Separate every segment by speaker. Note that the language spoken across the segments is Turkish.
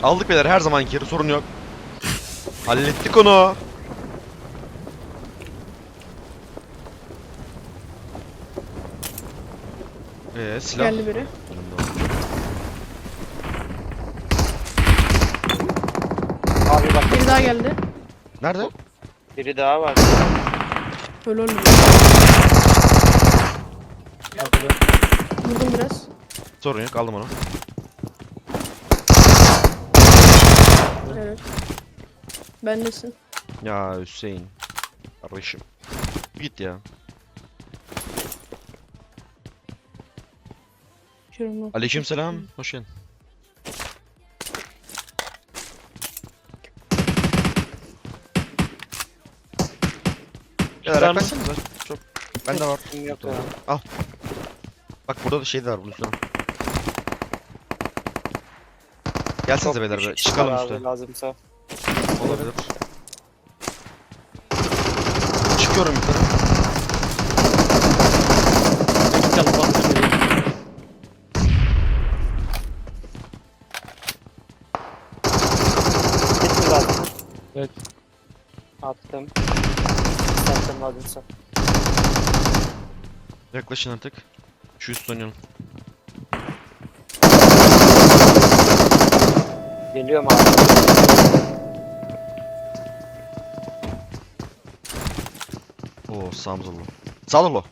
Speaker 1: Aldık beyler, her zamanki yeri, sorun yok. Hallettik onu. Silah.
Speaker 2: Geldi biri.
Speaker 3: Abi bak
Speaker 2: Biri daha geldi.
Speaker 1: Nerede?
Speaker 3: biri daha var.
Speaker 2: Öyle olmuyor. Vurdum biraz.
Speaker 1: Sorun yok, aldım onu.
Speaker 2: Evet. Bendesin.
Speaker 1: Ya Hüseyin. Kardeşim. Git ya.
Speaker 2: Şurum yok.
Speaker 1: Aleykümselam. Hoş geldin. Beyler
Speaker 3: Var mı?
Speaker 1: yaklaşsanıza. Çok. Bende var.
Speaker 3: Yok
Speaker 1: Tamam.
Speaker 3: ya.
Speaker 1: Al. Bak burada da şey de var, bunun üstüne. Gelsenize
Speaker 3: Çok
Speaker 1: beyler be.
Speaker 3: küçük
Speaker 1: Çıkalım
Speaker 3: abi,
Speaker 1: üstte.
Speaker 3: lazımsa.
Speaker 1: Olabilir. Çıkıyorum yukarı.
Speaker 4: Çıkalım bak.
Speaker 3: Bitti zaten.
Speaker 4: Evet.
Speaker 3: Attım. Attım lazımsa.
Speaker 1: Yaklaşın artık. Şu üst oynayalım.
Speaker 3: Geliyorum abi.
Speaker 1: Oo, sağımız oldu. Sağ ol.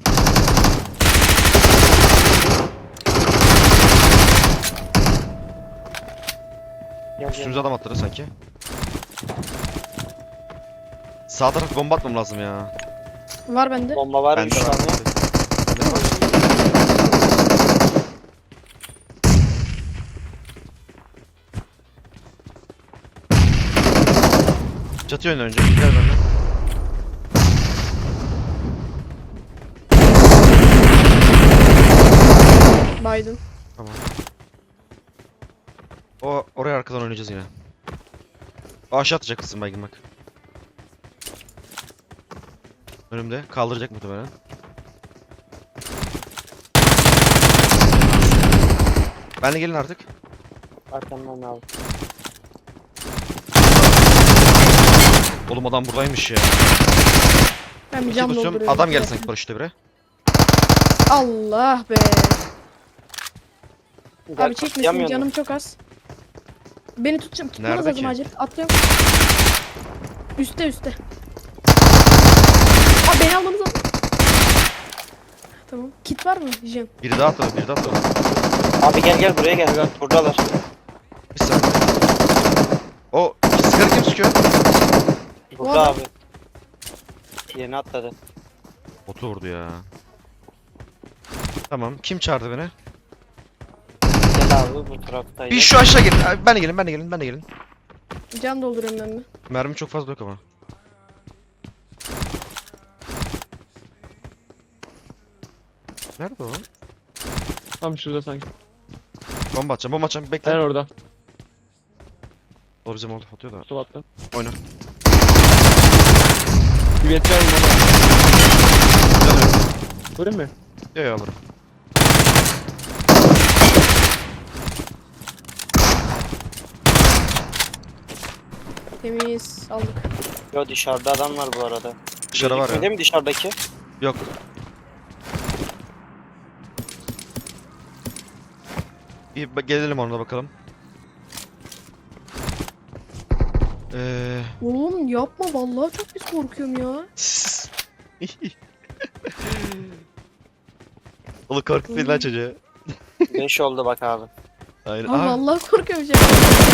Speaker 3: Gel,
Speaker 1: Üstümüze adam atladı sanki. Sağ taraf bomba atmam lazım ya.
Speaker 2: Var bende.
Speaker 3: Bomba var mı
Speaker 1: Bende
Speaker 3: şu
Speaker 1: var.
Speaker 3: an ya?
Speaker 1: Bende var. Çatı yönüne önce. Gel benden.
Speaker 2: Biden.
Speaker 1: Tamam. Oraya arkadan oynayacağız yine. O aşağı atacak kızım baygın bak. Önümde kaldıracak muhtemelen. Ben de gelin artık.
Speaker 3: Arkamdan abi.
Speaker 1: Oğlum adam buradaymış ya.
Speaker 2: Ben bir
Speaker 1: İki
Speaker 2: cam
Speaker 1: basıyorum.
Speaker 2: dolduruyorum.
Speaker 1: Adam geldi sanki paraşütle bire.
Speaker 2: Allah be.
Speaker 3: Gel,
Speaker 2: Abi çekmesin,
Speaker 3: atlayamıyor
Speaker 2: canım
Speaker 3: musun?
Speaker 2: çok az. Beni tutmanız
Speaker 1: Nerede
Speaker 2: lazım
Speaker 1: ki?
Speaker 2: acil. Atlıyorum. Üste. Abi beni almanız lazım. Tamam. Kit var mı? Jen.
Speaker 1: Biri daha atladı, biri daha atladı.
Speaker 3: Abi gel buraya gel. Buradalar.
Speaker 1: Bir saniye. O sigara kim sıkıyor?
Speaker 3: Burada
Speaker 2: O adam-
Speaker 3: abi. Yeni atladı.
Speaker 1: Botu vurdu ya. Tamam, kim çağırdı beni?
Speaker 3: Gel abi bu taraftaydı.
Speaker 1: Bir şu aşağı gelin. Abi, ben de gelin.
Speaker 2: Can dolduruyorum ben de.
Speaker 1: Mermi çok fazla yok ama. Nerede o?
Speaker 4: Tam şurada sanki.
Speaker 1: Bomba atacağım. Bekle.
Speaker 4: Sen orada.
Speaker 1: O bizim oldu, atıyor da.
Speaker 4: Sol attı.
Speaker 1: Oyna.
Speaker 4: Güvetler mi bana?
Speaker 1: Canım.
Speaker 4: Vurayım mı?
Speaker 1: Yo alırım.
Speaker 2: Temiz. Aldık.
Speaker 3: Yo dışarıda adam var bu arada.
Speaker 1: Dışarı var
Speaker 3: Gözükmedi
Speaker 1: ya.
Speaker 3: mi dışarıdaki?
Speaker 1: Yok. Gelelim ona bakalım.
Speaker 2: Oğlum yapma, vallahi çok pis korkuyorum ya.
Speaker 1: Oğlum korkutmayın lan çocuğu.
Speaker 3: 5 oldu bak abi.
Speaker 1: Aynen.
Speaker 2: Abi
Speaker 1: Aa,
Speaker 2: vallahi korkuyorum şey.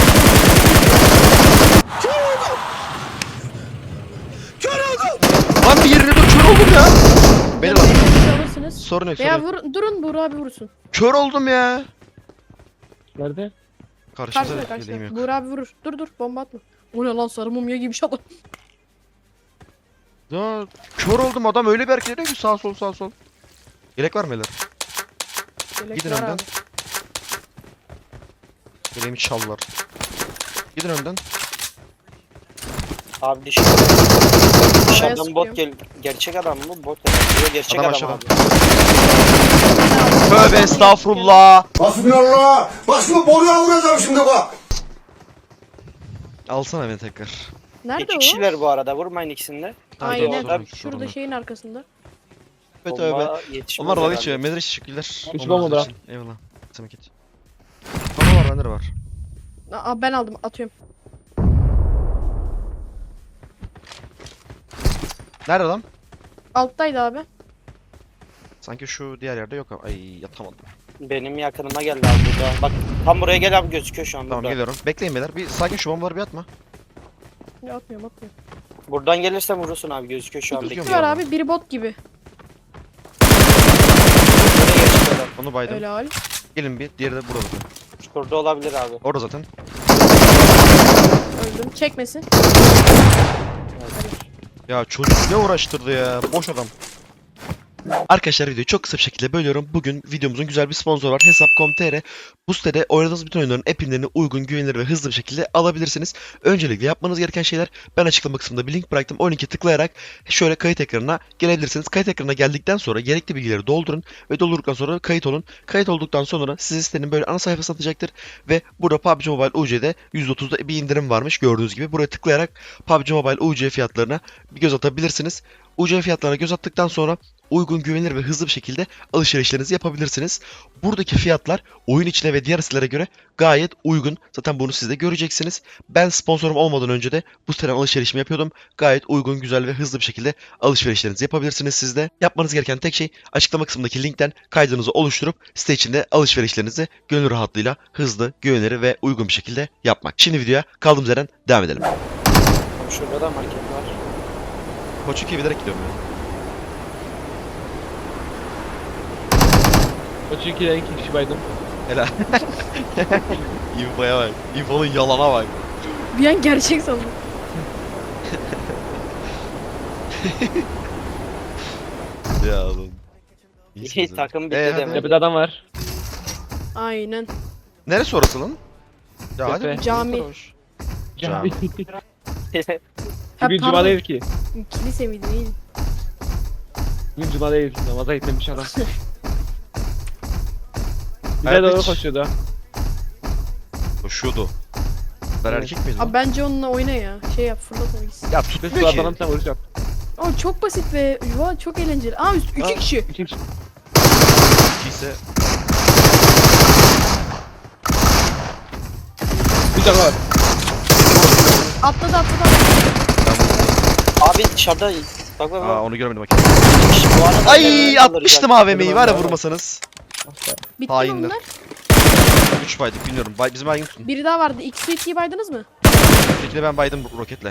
Speaker 1: lan bir yerine dur, kör oldum ya. Beni lan.
Speaker 2: Alırsınız.
Speaker 1: Sorun yok,
Speaker 2: Veya
Speaker 1: sorun yok.
Speaker 2: durun, Buğra abi vurursun.
Speaker 1: Kör oldum ya.
Speaker 4: Nerede?
Speaker 1: Karşımda
Speaker 2: Karşıda
Speaker 1: yeleğim yok.
Speaker 2: Buğra abi vurur. Dur bomba atma. O ne lan, sarı mumya gibi şey adam.
Speaker 1: Ya kör oldum, adam öyle bir hareket ediyor ki sağ sol. Yelek var mı beyler?
Speaker 2: Yelek
Speaker 1: Gidin
Speaker 2: var
Speaker 1: önden.
Speaker 2: abi.
Speaker 1: Yeleğimi çaldılar. Gidin önden.
Speaker 3: Abi dışarıdan
Speaker 2: sıkıyor.
Speaker 3: bot gerçek adam mı? Bot ya. Yo, gerçek
Speaker 1: Adam
Speaker 3: adam,
Speaker 1: aşağıda.
Speaker 3: abi.
Speaker 1: Tövbe estağfurullah.
Speaker 5: Hasbinallah. Bak şimdi boruya vuracağım şimdi bak.
Speaker 1: Alsana beni tekrar.
Speaker 2: Nerede
Speaker 3: İki
Speaker 2: o?
Speaker 3: kişiler bu arada. Vurmayın ikisini de.
Speaker 2: Aynen.
Speaker 3: Orada
Speaker 2: Şurada şeyin arkasında.
Speaker 1: Evet abi.
Speaker 3: bomba yetişmez
Speaker 1: Onlar dalga
Speaker 3: herhalde.
Speaker 1: geçiyor. Medreş teşekkürler.
Speaker 4: Üç
Speaker 1: Onlar
Speaker 4: bomba da.
Speaker 1: için. Eyvallah. Samet git. Bana var bende de var.
Speaker 2: Aa, ben aldım atıyorum.
Speaker 1: Nerede adam?
Speaker 2: Alttaydı abi.
Speaker 1: Sanki şu diğer yerde yok. Ay yatamadım.
Speaker 3: Benim yakınıma geldi abi burada. Bak tam buraya gel abi, gözüküyor şu an
Speaker 1: Tamam
Speaker 3: burada.
Speaker 1: geliyorum. Bekleyin beyler. Bir sakin şu bombaları bir atma.
Speaker 2: Ya atmıyorum.
Speaker 3: Buradan gelirsen vurursun abi, gözüküyor şu an.
Speaker 1: Gözüküyor
Speaker 2: Biri
Speaker 1: mu?
Speaker 3: Bekliyorum.
Speaker 2: var abi, biri bot gibi.
Speaker 3: Buraya geçti adam.
Speaker 1: Onu baydım.
Speaker 2: Öyle hal.
Speaker 1: Gelin bir. Diğeri de burada zaten.
Speaker 3: Şurada olabilir abi.
Speaker 1: Orada zaten.
Speaker 2: Öldüm. Çekmesin.
Speaker 1: Ya çocuk ne uğraştırdı ya. Boş adam. Arkadaşlar videoyu çok kısa bir şekilde bölüyorum. Bugün videomuzun güzel bir sponsoru var. Hesap.com.tr. Bu sitede oynadığınız bütün oyunların app'inlerini uygun, güvenilir ve hızlı bir şekilde alabilirsiniz. Öncelikle yapmanız gereken şeyler, ben açıklama kısmında bir link bıraktım. O linki tıklayarak şöyle kayıt ekranına gelebilirsiniz. Kayıt ekranına geldikten sonra gerekli bilgileri doldurun ve doldurduktan sonra kayıt olun. Kayıt olduktan sonra sizi sitenin böyle ana sayfası atacaktır ve burada PUBG Mobile UC'de %30'da bir indirim varmış gördüğünüz gibi. Buraya tıklayarak PUBG Mobile UC fiyatlarına bir göz atabilirsiniz. UC fiyatlarına göz attıktan sonra uygun, güvenilir ve hızlı bir şekilde alışverişlerinizi yapabilirsiniz. Buradaki fiyatlar oyun içine ve diğer sitelere göre gayet uygun. Zaten bunu siz de göreceksiniz. Ben sponsorum olmadan önce de bu siteden alışverişimi yapıyordum. Gayet uygun, güzel ve hızlı bir şekilde alışverişlerinizi yapabilirsiniz siz de. Yapmanız gereken tek şey açıklama kısmındaki linkten kaydınızı oluşturup site içinde alışverişlerinizi gönül rahatlığıyla hızlı, güvenilir ve uygun bir şekilde yapmak. Şimdi videoya kaldığımız yerden devam edelim.
Speaker 3: Şurada da market var.
Speaker 1: Koç 2'ye bilerek gidiyorum ben.
Speaker 4: O çünkü iki kişi baydım.
Speaker 1: Helal. İnfoya bak. İnfonun yalana bak.
Speaker 2: Bir an gerçek sandım.
Speaker 1: Ya oğlum.
Speaker 3: İyi takım bitti
Speaker 1: hadi.
Speaker 3: demek.
Speaker 4: Tepede adam var.
Speaker 2: Aynen.
Speaker 1: Neresi orası lan? Ya hadi.
Speaker 4: Tepe.
Speaker 2: Cami.
Speaker 1: Sarhoş. Cami.
Speaker 4: Bugün cuma değil ki.
Speaker 2: Kilise miydi neydi?
Speaker 4: Bugün cuma değil. Namaza gitmemiş adam. Bize
Speaker 1: Evet,
Speaker 4: doğru
Speaker 1: hiç.
Speaker 4: koşuyordu.
Speaker 1: Koşuyordu. Ben
Speaker 4: Evet.
Speaker 1: erkek miydim?
Speaker 2: Abi bence onunla oyna ya. Şey yap, fırlat onu gitsin.
Speaker 1: Ya
Speaker 4: Biz
Speaker 1: tutmuyor
Speaker 4: bu
Speaker 1: ki.
Speaker 4: adamın sen vuruş yap.
Speaker 2: Aa çok basit ve yuva çok eğlenceli. Aa
Speaker 4: Aa.
Speaker 2: iki kişi.
Speaker 4: İki kişi.
Speaker 1: İkiyse
Speaker 4: Bir tane var.
Speaker 2: Atladı.
Speaker 3: Abi dışarıda. Bak bak
Speaker 1: Aa
Speaker 3: bak.
Speaker 1: onu görmedim bak.
Speaker 3: Bu arada
Speaker 1: Ay
Speaker 3: nereden
Speaker 1: atmıştım
Speaker 3: alırız
Speaker 1: AVM'yi var ya vurmasanız.
Speaker 2: Bitti mi
Speaker 1: Hainler.
Speaker 2: bunlar?
Speaker 1: 3 baydık bilmiyorum. Bizim baygın tutun.
Speaker 2: Biri daha vardı. İkiyi baydınız mı?
Speaker 1: Üsttekine ben baydım roketle.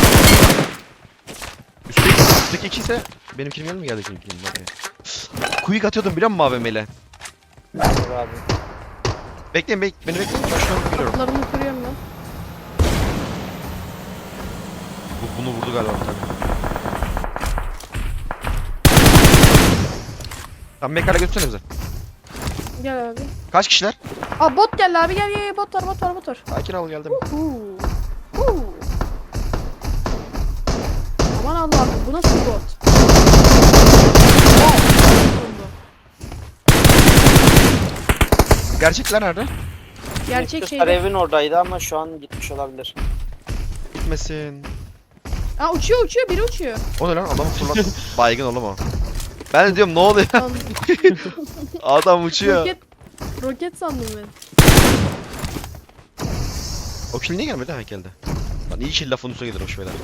Speaker 1: Üstteki 2 ise benim kilim mi geldi kilim bak ya. Quick atıyordum biliyor musun AVM'yle?
Speaker 3: Dur abi.
Speaker 1: Bekleyin beni bekleyin. Ben şu an geliyorum.
Speaker 2: Kapılarını kırıyorum ben.
Speaker 1: Bunu vurdu galiba bir tane. Tamam mekana götürsene bize.
Speaker 2: Gel abi.
Speaker 1: Kaç kişiler?
Speaker 2: Aa bot geldi abi gel bot var.
Speaker 1: Sakin ol geldim.
Speaker 2: Huu. Aman Allah'ım bu nasıl bot?
Speaker 1: Gerçekler nerede?
Speaker 2: Gerçek
Speaker 3: Kızlar
Speaker 2: şeyde.
Speaker 3: evin oradaydı ama şu an gitmiş olabilir.
Speaker 1: Gitmesin.
Speaker 2: Aa uçuyor biri uçuyor.
Speaker 1: O ne lan adamı fırlat. Baygın oğlum o. Ben de diyorum ne oluyor?
Speaker 2: Lan,
Speaker 1: Adam uçuyor.
Speaker 2: roket sandım ben.
Speaker 1: O kill niye gelmedi? Ha geldi. Lan iyi kill lafın üstüne gelirmiş beyler.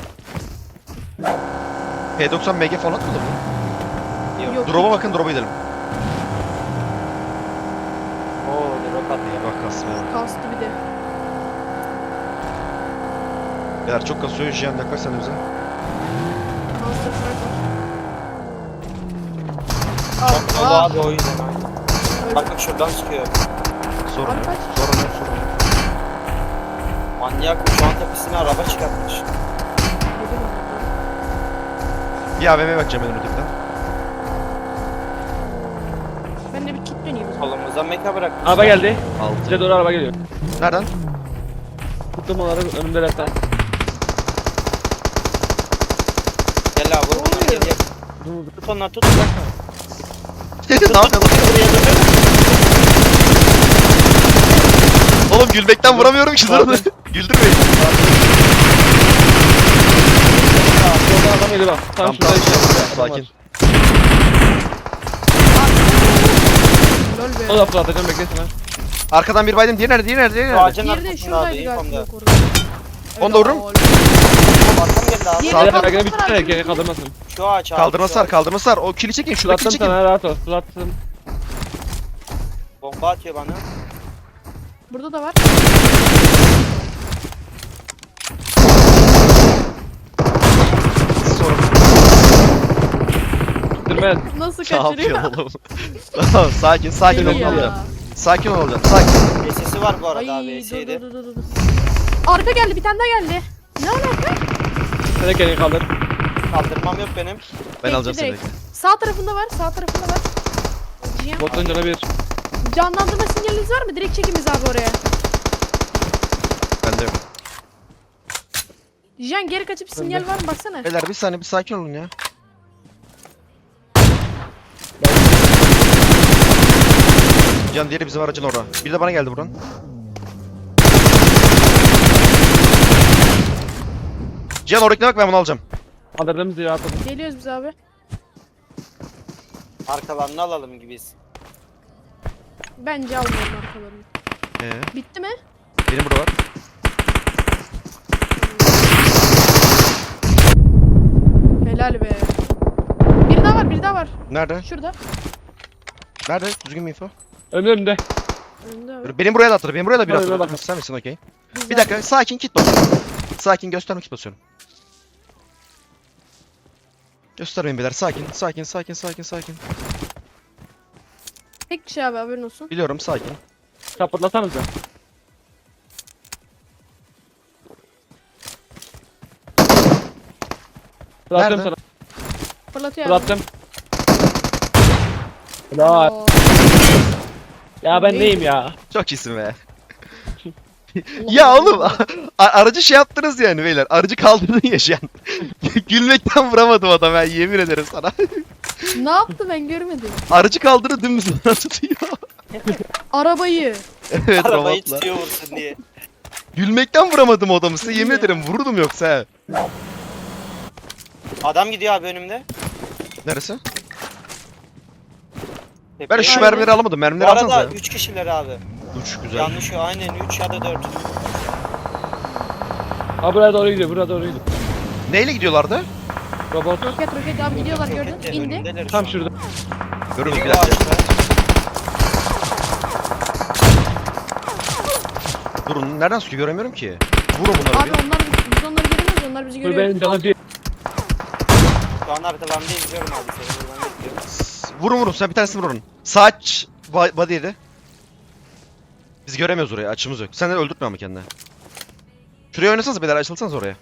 Speaker 1: P90 MG falan atmadı mı?
Speaker 2: Yok.
Speaker 1: Drop'a bakın drop'a gidelim.
Speaker 3: Oo drop atıyor.
Speaker 1: Bak kasmaya.
Speaker 2: Kastı bir de.
Speaker 1: Beyler çok kasıyor. Jiyan yaklaş sen de bize.
Speaker 2: Monster Truck
Speaker 3: Çok
Speaker 2: var.
Speaker 3: dolu
Speaker 2: Aa,
Speaker 3: abi o yüzden aynen. Bak bak şuradan sıkıyor.
Speaker 1: Sorun
Speaker 2: Abi
Speaker 1: yok.
Speaker 2: kaç?
Speaker 1: Sorun yok. Sorun yok.
Speaker 3: Manyak şu an tepesine araba çıkartmış.
Speaker 1: Bir AVM'ye bakacağım benim ötekiden.
Speaker 2: Ben de bir kit döneyim. o zaman.
Speaker 3: Solumuzdan meka bırakmış.
Speaker 4: Araba geldi. Bize
Speaker 1: 6.
Speaker 4: doğru araba geliyor.
Speaker 1: Nereden?
Speaker 4: Tuttum onları önümde zaten.
Speaker 3: Gel abi vur bunları gel gel. Tut onları tut.
Speaker 1: Ne yapıyorsun? Oğlum gülmekten vuramıyorum ki dur. Güldürmeyin.
Speaker 4: Solda adam geliyor bak. Tam
Speaker 1: Tamam,
Speaker 4: şurada
Speaker 1: tamam.
Speaker 4: işte.
Speaker 1: Sakin.
Speaker 2: Lol be.
Speaker 4: O da fırlatacağım beklesin ha.
Speaker 1: Arkadan bir baydım. Diğeri nerede? Diğeri nerede? Diğeri
Speaker 3: Şu
Speaker 1: nerede?
Speaker 3: ağacın
Speaker 2: Diğeri de
Speaker 3: arkasında abi.
Speaker 2: şuradaydı galiba.
Speaker 3: Yapamda.
Speaker 2: Yok orada.
Speaker 1: Onu da vururum.
Speaker 2: Helal.
Speaker 3: Arkam geldi abi.
Speaker 2: Diğeri-
Speaker 1: Sağ-
Speaker 4: Hadi
Speaker 2: kaldırma
Speaker 4: bekle bir
Speaker 2: var
Speaker 4: tutsana
Speaker 2: abi.
Speaker 4: geri kaldırmasın.
Speaker 3: Şu ağaç abi.
Speaker 1: Kaldırma
Speaker 3: şu
Speaker 1: sar,
Speaker 3: ağaç.
Speaker 1: kaldırma sar. O kili çekin, şuradaki
Speaker 4: Fırlattım
Speaker 1: çekin.
Speaker 4: sana rahat ol. Fırlattım.
Speaker 3: Bomba atıyor bana.
Speaker 2: Burada da var.
Speaker 1: Sorun.
Speaker 4: Durmaz.
Speaker 2: Nasıl
Speaker 1: Ne
Speaker 2: kaçırıyor?
Speaker 1: yapıyorsun oğlum? Tamam, sakin, sakin
Speaker 2: Deli
Speaker 1: ol
Speaker 2: ya.
Speaker 1: olacağım. Sakin ol olacağım. Sakin.
Speaker 3: Sesi var bu
Speaker 2: Ay
Speaker 3: arada abi.
Speaker 2: dur
Speaker 3: Eseydi.
Speaker 2: dur. Arka geldi, bir tane daha geldi. Ne alaka?
Speaker 4: Sen de kendini kaldır.
Speaker 3: Kaldırmam yok benim.
Speaker 1: Ben
Speaker 2: Bekle
Speaker 1: alacağım seni.
Speaker 2: direkt. Sağ tarafında var, sağ tarafında var. Cihan.
Speaker 4: Botun canı bir.
Speaker 2: Canlandırma sinyaliniz var mı? Direkt çekimiz abi oraya.
Speaker 1: Ben de yok.
Speaker 2: Cihan geri kaçıp sinyal var mı baksana.
Speaker 1: Beyler bir saniye, bir sakin olun ya. Can diğeri bizim aracın orada. Bir de bana geldi buradan. Cihan oradakine bak, ben bunu alacağım.
Speaker 4: Kaldırdım zira atladım.
Speaker 2: Geliyoruz biz abi.
Speaker 3: Arkalarını alalım gibiyiz.
Speaker 2: Bence almayalım arkalarını. Bitti mi?
Speaker 1: Benim burada var.
Speaker 2: Helal be. Biri daha var, biri daha var.
Speaker 1: Nerede?
Speaker 2: Şurada.
Speaker 1: Nerede? Düzgün bir info.
Speaker 4: Önümde.
Speaker 2: Önünde abi.
Speaker 1: Benim buraya da attır. Benim buraya da bir
Speaker 4: Hadi,
Speaker 1: attır.
Speaker 4: bak.
Speaker 1: Sen misin okey?
Speaker 2: Güzel.
Speaker 1: Bir dakika, sakin kit basıyorum. Sakin, gösterme kit basıyorum. Göstermeyin beyler, sakin, sakin.
Speaker 2: Tek kişi abi, haberin olsun.
Speaker 1: Biliyorum, sakin.
Speaker 4: Kapatlasanıza. Fırlattım
Speaker 1: Nerede?
Speaker 4: sana.
Speaker 2: Fırlatıyor abi.
Speaker 4: Fırlattım. Helal.
Speaker 2: Oo.
Speaker 4: Ya ben
Speaker 2: Neydi?
Speaker 4: neyim ya?
Speaker 1: Çok iyisin be. Ya oğlum, aracı şey yaptınız yani beyler. Aracı kaldırdın ya şu an. Gülmekten vuramadım adam, ben yemin ederim sana.
Speaker 2: Ne yaptı ben görmedim.
Speaker 1: Aracı kaldırdı, dümdüz bana tutuyor.
Speaker 2: Arabayı.
Speaker 1: Evet,
Speaker 3: Arabayı
Speaker 1: robotla.
Speaker 3: tutuyor vursun diye.
Speaker 1: Gülmekten vuramadım o adamı, size yemin
Speaker 2: Ya.
Speaker 1: ederim vururdum yoksa he.
Speaker 3: Adam gidiyor abi önümde.
Speaker 1: Neresi? Ben
Speaker 3: Tepeye.
Speaker 1: şu
Speaker 2: Aynen.
Speaker 1: mermileri alamadım,
Speaker 3: Bu
Speaker 1: mermileri alsanıza
Speaker 3: arada
Speaker 1: ya.
Speaker 3: 3 kişiler abi.
Speaker 1: Uç güzel.
Speaker 3: Yanlış o aynen 3 ya da 4.
Speaker 4: Ha buraya doğru gidiyor, buraya doğru gidiyor.
Speaker 1: Neyle gidiyorlardı?
Speaker 4: Robot.
Speaker 2: Roket abi gidiyorlar gördün.
Speaker 3: Rokette
Speaker 2: İndi.
Speaker 3: önümdeler
Speaker 4: Tam
Speaker 3: şu an.
Speaker 4: şurada.
Speaker 1: Görürüz
Speaker 3: Biri
Speaker 1: bir
Speaker 3: o
Speaker 1: dakika.
Speaker 3: ağaçta.
Speaker 1: Durun, nereden sıkıyor göremiyorum ki. Vurun bunları
Speaker 2: Abi
Speaker 1: bir.
Speaker 2: biz onları göremiyoruz, onlar bizi
Speaker 4: Dur
Speaker 2: görüyor.
Speaker 4: benim canım bir.
Speaker 3: Şu an arkalarında izliyorum abi seni. Buradan bekliyorum.
Speaker 1: Vurun, sen bir tanesini vurun. Saç body yedi. Biz göremiyoruz orayı, açımız yok. Sen de öldürtme ama kendine. Şuraya oynasanız beyler, açılsanız oraya.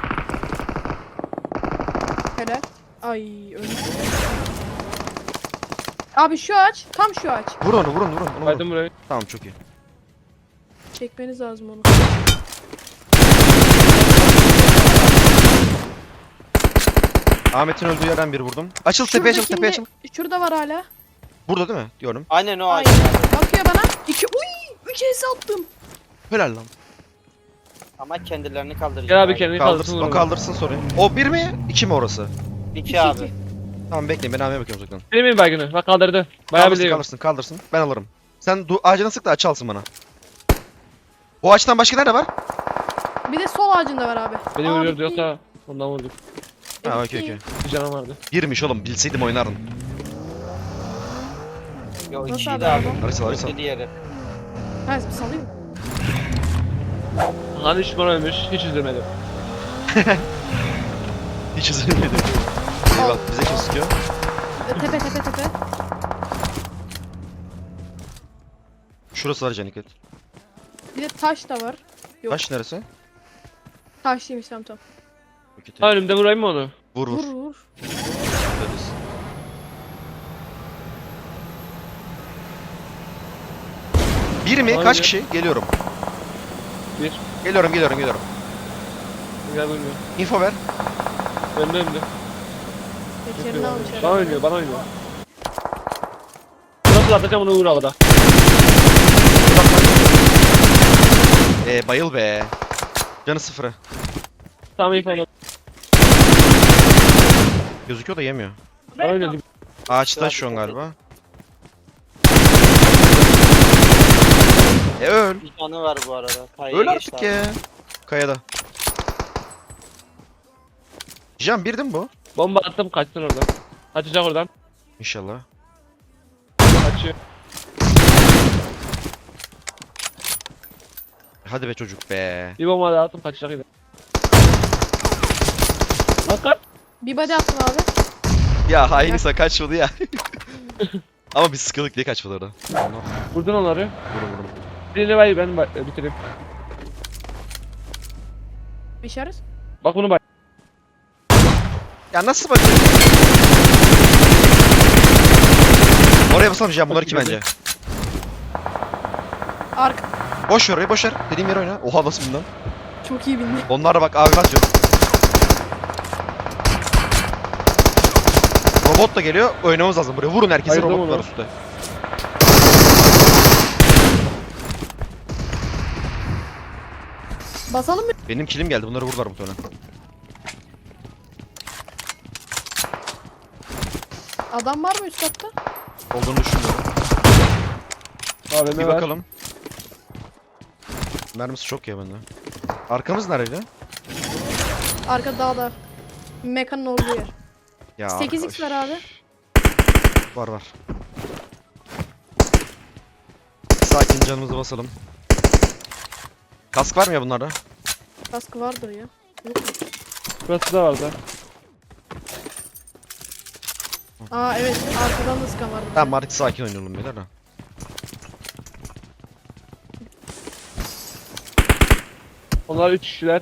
Speaker 2: Helal. Ay öldü. Abi şu ağaç, tam şu ağaç.
Speaker 1: Vur onu, vurun. Onu vurun.
Speaker 4: Baydım burayı.
Speaker 1: Tamam, çok iyi.
Speaker 2: Çekmeniz lazım onu.
Speaker 1: Ahmet'in öldüğü yerden bir vurdum. Açıl, tepeye açıl, tepeye açıl.
Speaker 2: Şurada var hala.
Speaker 1: Burada değil mi? Diyorum.
Speaker 3: Aynen o ağaç.
Speaker 2: Aynen. Bakıyor bana. Üç es attım.
Speaker 1: Helal lan.
Speaker 3: Ama kendilerini kaldıracak.
Speaker 4: Gel abi kendini kaldırsın
Speaker 1: Kaldırsın, o
Speaker 4: vurun.
Speaker 1: kaldırsın sorayım. O bir mi? İki mi orası?
Speaker 3: 2 abi.
Speaker 2: iki.
Speaker 1: Tamam bekleyin, ben Ahmet'e bakıyorum uzaktan.
Speaker 4: Benim miyim baygını? Bak kaldırdı. Bayağı
Speaker 1: Kaldırsın,
Speaker 4: biliyorum.
Speaker 1: kaldırsın. Ben alırım. Sen ağacına sık da açı alsın bana. Bu ağaçtan başka nerede var?
Speaker 2: Bir de sol ağacında var abi.
Speaker 4: Beni
Speaker 2: Aa,
Speaker 4: vuruyordu
Speaker 2: bitti.
Speaker 4: yoksa ondan vurduk.
Speaker 1: Ha,
Speaker 2: Bitti.
Speaker 1: okey.
Speaker 4: Bir canım vardı.
Speaker 1: Birmiş oğlum, bilseydim oynardım.
Speaker 3: Yo
Speaker 2: Nasıl
Speaker 3: 2'ydi
Speaker 2: abi
Speaker 3: abi.
Speaker 2: araba?
Speaker 1: Arası.
Speaker 3: Dedi yeri.
Speaker 2: Ha salayım mı?
Speaker 4: Hani düşman ölmüş, hiç üzülmedim.
Speaker 1: Hiç üzülmedim. İyi bak, bize kim sıkıyor?
Speaker 2: Tepe.
Speaker 1: Şurası var Caniket.
Speaker 2: Bir de taş da var. Yok.
Speaker 1: Taş neresi?
Speaker 2: Taşlıymış tamam.
Speaker 1: Okey,
Speaker 4: Ha önümde vurayım mı onu?
Speaker 1: Vur.
Speaker 2: Vur.
Speaker 1: Öylesin. Bir mi?
Speaker 4: Aynen.
Speaker 1: Kaç kişi? Geliyorum.
Speaker 4: Bir.
Speaker 1: Geliyorum.
Speaker 4: Gel vurmuyor.
Speaker 1: Info ver.
Speaker 4: Önümde.
Speaker 2: Tekerini almış
Speaker 4: Bana
Speaker 2: herhalde.
Speaker 4: oynuyor, bana oynuyor. Nasıl atacağım onu vur havada.
Speaker 1: Bayıl be. Canı sıfıra.
Speaker 4: Tam ilk onu.
Speaker 1: Gözüküyor da yemiyor.
Speaker 4: Öyle değil.
Speaker 1: Ağaçta şu an galiba. Öl.
Speaker 3: Bir canı var bu arada. Kayaya
Speaker 1: Öl
Speaker 3: geçti
Speaker 1: artık
Speaker 3: abi.
Speaker 1: ya. Kayada. Can bir değil mi bu?
Speaker 4: Bomba attım kaçsın oradan. Kaçacak oradan.
Speaker 1: İnşallah.
Speaker 4: Kaçıyor.
Speaker 1: Hadi be çocuk be.
Speaker 4: Bir bomba daha attım kaçacak yine. Lan kaç.
Speaker 2: Bir body attım abi.
Speaker 1: Ya hainisa kaçmadı ya. Ama biz sıkıldık diye kaçmadı orada. Allah.
Speaker 4: Vurdun onları.
Speaker 1: Vurun vurun.
Speaker 4: Birini bay ben bitireyim.
Speaker 2: İşarız.
Speaker 4: Bak bunu bay.
Speaker 1: Ya nasıl bakayım? Oraya basalım Can, bunlar iki bence.
Speaker 2: Arka.
Speaker 1: Boş ver orayı, boş ver. Dediğim yere oyna. Oha nasıl bundan?
Speaker 2: Çok iyi bindi.
Speaker 1: Onlara bak abi atıyor. Robot da geliyor. Oynamamız lazım buraya. Vurun herkesi,
Speaker 4: Ayırdım
Speaker 1: robotlar
Speaker 4: onu.
Speaker 1: üstte.
Speaker 2: Basalım mı?
Speaker 1: Benim kilim geldi. Bunları vururlar muhtemelen.
Speaker 2: Adam var mı üst katta?
Speaker 1: Olduğunu düşünmüyorum.
Speaker 4: AVM
Speaker 1: Bir
Speaker 4: var.
Speaker 1: bakalım. Mermisi çok ya bende. Arkamız nerede?
Speaker 2: Arka dağda. Mekanın olduğu yer.
Speaker 1: Ya
Speaker 2: 8x var abi.
Speaker 1: Var var. Sakin, canımızı basalım. Kask var mı ya bunlarda?
Speaker 2: Kaskı vardır ya. Yok mu?
Speaker 4: Burası da vardı.
Speaker 2: Aa evet, arkadan da sıkan vardı.
Speaker 1: Tamam artık sakin oynayalım beyler de.
Speaker 4: Onlar 3 kişiler.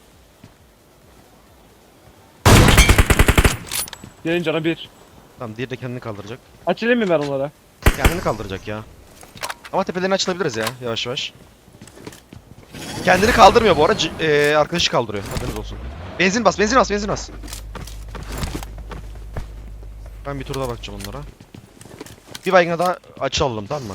Speaker 4: Gelin canı 1.
Speaker 1: Tamam, diğeri de kendini kaldıracak.
Speaker 4: Açılayım mı ben onlara?
Speaker 1: Kendini kaldıracak ya. Ama tepelerini açılabiliriz ya yavaş yavaş. Kendini kaldırmıyor bu arada. Arkadaşı kaldırıyor. Haberiniz olsun. Benzin bas, benzin bas, benzin bas. Ben bir tur daha bakacağım onlara. Bir baygına daha açalım, tamam mı?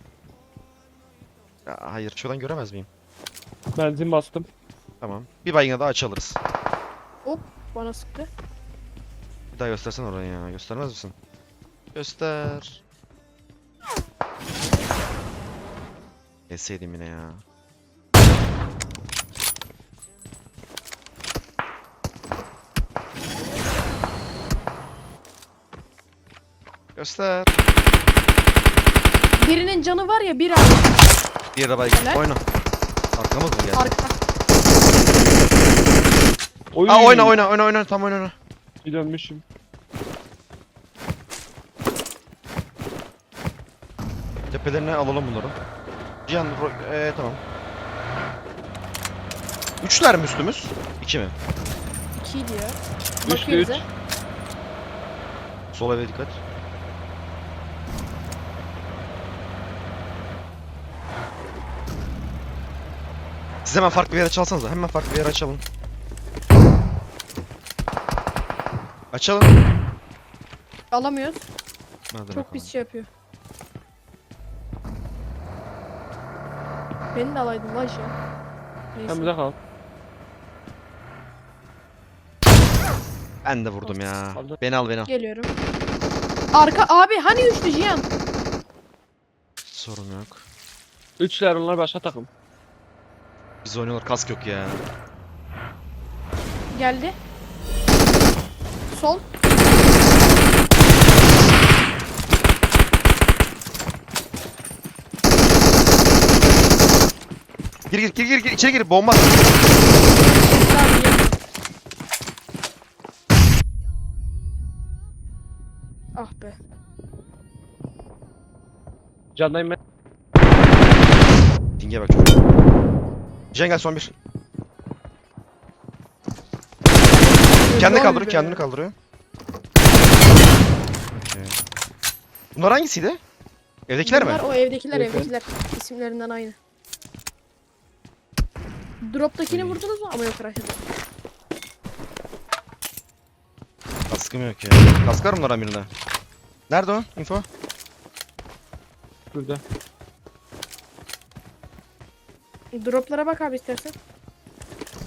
Speaker 1: Ya, hayır, şuradan göremez miyim?
Speaker 4: Benzin bastım.
Speaker 1: Tamam. Bir baygına daha açalırız.
Speaker 2: Bana sıktı.
Speaker 1: Bir daha göstersen orayı ya. Göstermez misin? Göster. Yeseydim yine ya. Göster.
Speaker 2: Birinin canı var ya, bir abi.
Speaker 1: Bir yere baygın.
Speaker 2: Helal.
Speaker 1: Oyna. Arkamız mı geldi?
Speaker 2: Arka.
Speaker 4: Oy.
Speaker 1: Aa, oyna. Tam oyna.
Speaker 4: Bir dönmüşüm.
Speaker 1: Tepelerine alalım bunları. Cihan, tamam. Üçler mi üstümüz? İki mi?
Speaker 2: 2'ydi ya.
Speaker 4: Üçlü
Speaker 2: Bakıyor
Speaker 4: üç.
Speaker 2: bize.
Speaker 1: Sol eve dikkat. Siz hemen farklı bir yere çalsanıza. Hemen farklı bir yere açalım. Açalım.
Speaker 2: Alamıyoruz.
Speaker 1: Hadi
Speaker 2: Çok
Speaker 1: bakalım.
Speaker 2: pis şey yapıyor. Beni de alaydın lan şey. Neyse.
Speaker 4: Sen bize kal.
Speaker 1: Ben de vurdum ya.
Speaker 4: Aldı.
Speaker 1: Beni al, beni al.
Speaker 2: Geliyorum. Arka abi hani üçlü Cihan?
Speaker 1: Sorun yok.
Speaker 4: 3'ler onlar başka takım.
Speaker 1: Biz oynuyorlar, kask yok ya.
Speaker 2: Geldi. Sol.
Speaker 1: Gir içeri gir, bomba.
Speaker 2: Abi, gel. Ah be.
Speaker 4: Candayım ben.
Speaker 1: Dinge bak çocuk. Cihan gel, son bir. Kendini
Speaker 2: Vay
Speaker 1: kaldırıyor,
Speaker 2: be.
Speaker 1: kendini kaldırıyor. Okey. Bunlar hangisiydi? Evdekiler mi?
Speaker 2: Bunlar o evdekiler,
Speaker 4: Evet, evet.
Speaker 2: evdekiler. İsimlerinden aynı. Drop'takini vurdunuz mu? Ama yok Raşit.
Speaker 1: Kaskım yok ya. Kask var mı bunlardan birinde? Nerede o? Info?
Speaker 4: Burada.
Speaker 2: Drop'lara bak abi istersen.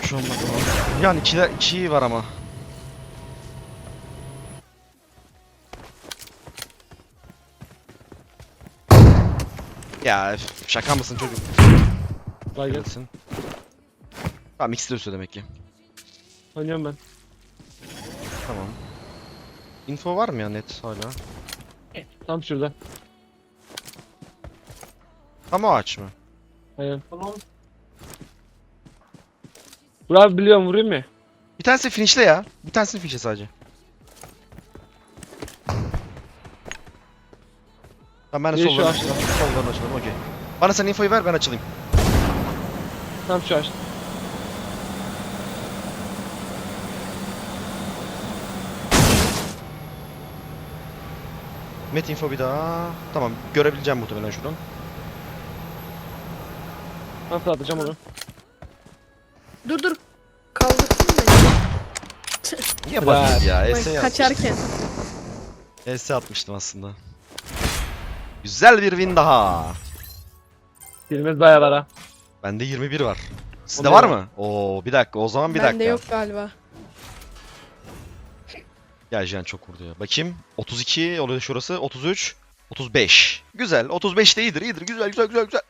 Speaker 1: şu an bakalım. Yani iki var ama. Ya şaka mısın çocuk?
Speaker 4: Vay gel.
Speaker 1: Gelsin. Tamam ikisi de üstü demek ki.
Speaker 4: Oynuyorum ben.
Speaker 1: Tamam. Info var mı ya net hala?
Speaker 4: Tam şurada.
Speaker 1: Tam o ağaç mı?
Speaker 4: Aynen. Burak abi biliyorum, vurayım mı?
Speaker 1: Bir tanesi finishle ya. Bir tanesini finishle sadece. Tamam ben de
Speaker 4: Biri şu
Speaker 1: sollarını
Speaker 4: ağaçta.
Speaker 1: sollarını açalım okey. Bana sen infoyu ver ben açılayım.
Speaker 4: Tam şu ağaçta.
Speaker 1: Met info bir daha. Tamam görebileceğim muhtemelen şuradan.
Speaker 4: Ben fırlatacağım onu.
Speaker 2: Dur. Kaldırsın beni.
Speaker 1: Niye
Speaker 4: Bırak.
Speaker 1: bakıyorsun ya?
Speaker 2: Ben
Speaker 1: ES
Speaker 2: kaçarken.
Speaker 1: ES atmıştım aslında. Güzel bir win daha.
Speaker 4: Dilimiz bayağı var ha.
Speaker 1: Bende 21 var. Sizde
Speaker 4: Onda
Speaker 1: var
Speaker 4: yok.
Speaker 1: mı? Oo bir dakika o zaman bir
Speaker 2: Bende
Speaker 1: dakika.
Speaker 2: yok galiba.
Speaker 1: Ya Jihan çok vurdu ya. Bakayım. 32 oluyor şurası. 33. 35. Güzel. 35 de iyidir. Güzel.